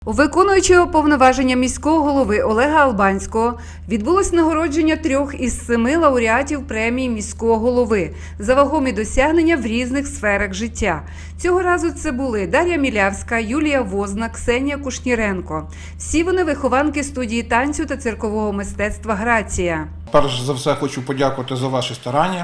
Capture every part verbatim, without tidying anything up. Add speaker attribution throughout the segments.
Speaker 1: У виконуючого повноваження міського голови Олега Албанського відбулось нагородження трьох із семи лауреатів премії міського голови за вагомі досягнення в різних сферах життя. Цього разу це були Дар'я Мілявська, Юлія Возна, Ксенія Кушніренко. Всі вони вихованки студії танцю та циркового мистецтва «Грація».
Speaker 2: Перш за все хочу подякувати за ваші старання.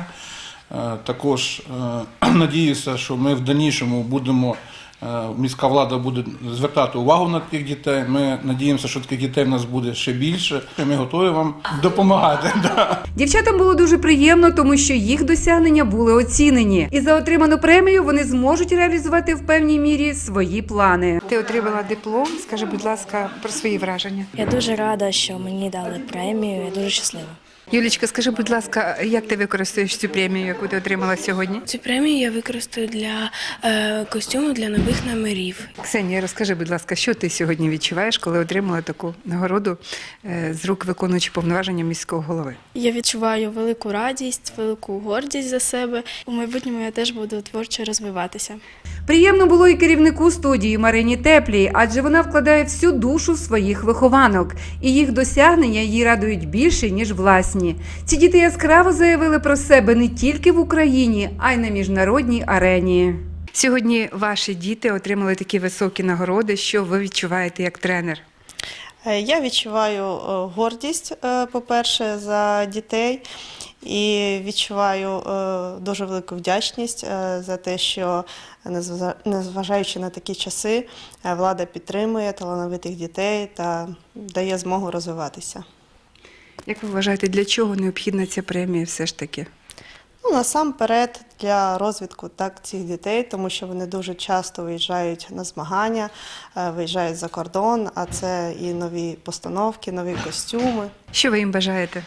Speaker 2: Також надіюся, що ми в дальнішому будемо, міська влада буде звертати увагу на таких дітей. Ми надіємося, що таких дітей в нас буде ще більше. Ми готові вам допомагати.
Speaker 1: Дівчатам було дуже приємно, тому що їх досягнення були оцінені. І за отриману премію вони зможуть реалізувати в певній мірі свої плани. Ти отримала диплом. Скажи, будь ласка, про свої враження.
Speaker 3: Я дуже рада, що мені дали премію. Я дуже щаслива.
Speaker 1: Юлічка, скажи, будь ласка, як ти використаєш цю премію, яку ти отримала сьогодні?
Speaker 4: Цю премію я використаю для е, костюму для нових номерів.
Speaker 1: Ксенія, розкажи, будь ласка, що ти сьогодні відчуваєш, коли отримала таку нагороду е, з рук виконуючого повноваження міського голови?
Speaker 4: Я відчуваю велику радість, велику гордість за себе. У майбутньому я теж буду творчо розвиватися.
Speaker 1: Приємно було і керівнику студії Марині Теплій, адже вона вкладає всю душу в своїх вихованок. І їх досягнення її радують більше, ніж власні. Ці діти яскраво заявили про себе не тільки в Україні, а й на міжнародній арені. Сьогодні ваші діти отримали такі високі нагороди. Що ви відчуваєте як тренер?
Speaker 5: Я відчуваю гордість, по-перше, за дітей. І відчуваю дуже велику вдячність за те, що, незважаючи на такі часи, влада підтримує талановитих дітей та дає змогу розвиватися.
Speaker 1: Як ви вважаєте, для чого необхідна ця премія все ж таки?
Speaker 5: Ну, насамперед для розвитку так, цих дітей, тому що вони дуже часто виїжджають на змагання, виїжджають за кордон, а це і нові постановки, нові костюми.
Speaker 1: Що ви їм бажаєте?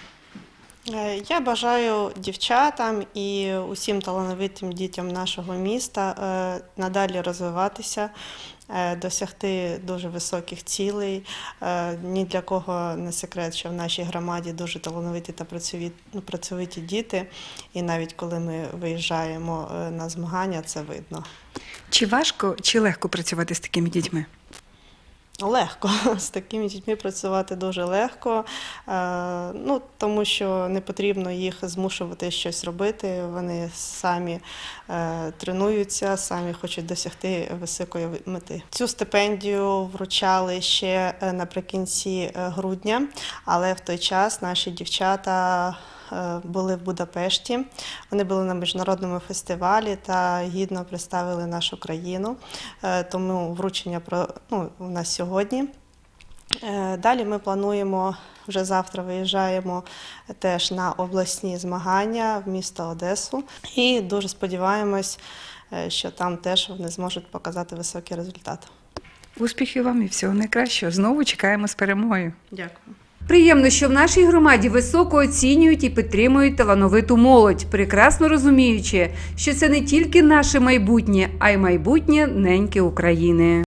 Speaker 5: Я бажаю дівчатам і усім талановитим дітям нашого міста надалі розвиватися, досягти дуже високих цілей. Ні для кого не секрет, що в нашій громаді дуже талановиті та працьовиті діти. І навіть коли ми виїжджаємо на змагання, це видно.
Speaker 1: Чи важко, чи легко працювати з такими дітьми?
Speaker 5: Легко. З такими дітьми працювати дуже легко, ну, тому що не потрібно їх змушувати щось робити. Вони самі тренуються, самі хочуть досягти високої мети. Цю стипендію вручали ще наприкінці грудня, але в той час наші дівчата були в Будапешті. Вони були на міжнародному фестивалі та гідно представили нашу країну. Тому вручення ну, у нас сьогодні. Далі ми плануємо, вже завтра виїжджаємо теж на обласні змагання в місто Одесу. І дуже сподіваємось, що там теж вони зможуть показати високий результат.
Speaker 1: Успіхів вам і всього найкращого. Знову чекаємо з перемогою.
Speaker 5: Дякую.
Speaker 1: Приємно, що в нашій громаді високо оцінюють і підтримують талановиту молодь, прекрасно розуміючи, що це не тільки наше майбутнє, а й майбутнє неньки України.